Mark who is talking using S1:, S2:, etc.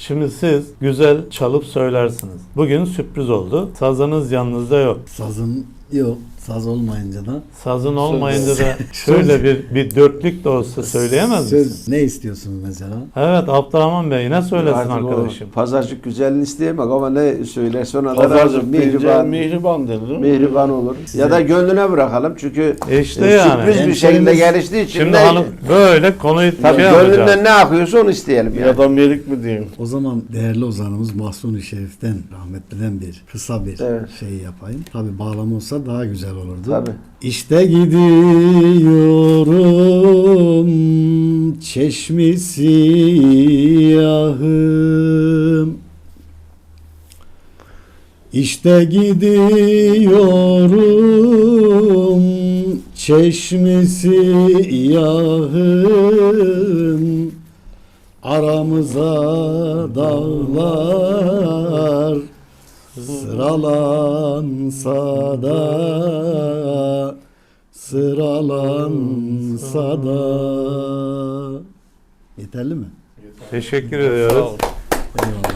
S1: Şimdi siz güzel çalıp söylersiniz. Bugün sürpriz oldu. Sazınız yanınızda yok.
S2: Sazım yok. Saz olmayınca da.
S1: Sazın olmayınca da şöyle bir dörtlük de olsa söyleyemez misiniz?
S2: Söz ne istiyorsunuz mesela?
S1: Evet, Abdurrahman Bey ne söylesin
S3: Artık
S1: arkadaşım?
S3: o pazarcık güzelliğini isteyemek ama ne söylerse ona da razı.
S4: Pazarcık deyince
S3: Mihriban,
S4: mihriban denir değil mi?
S3: mihriban olur. Ya da gönlüne bırakalım çünkü
S1: İşte yani.
S3: sürpriz bir şekilde
S2: Hemşerimiz-
S3: geliştiği için
S1: Şimdi
S3: de
S1: hanım böyle konuyu
S3: tabii
S1: şey yapacağız.
S3: gönlünden ne akıyorsa onu isteyelim.
S4: Bir
S3: Yani.
S4: adam yerik mi diyeyim?
S2: O zaman değerli ozanımız Mahsuni Şerif'ten rahmetliden bir kısa bir
S3: Evet.
S2: şey yapayım. Tabi bağlama olsa daha güzel olurdu.
S3: Tabii.
S2: İşte gidiyorum çeşmi siyahım. İşte gidiyorum çeşmi siyahım. Aramıza dağlar sıralansa da. Yeterli mi?
S1: Teşekkür ediyoruz.
S2: Eyvallah.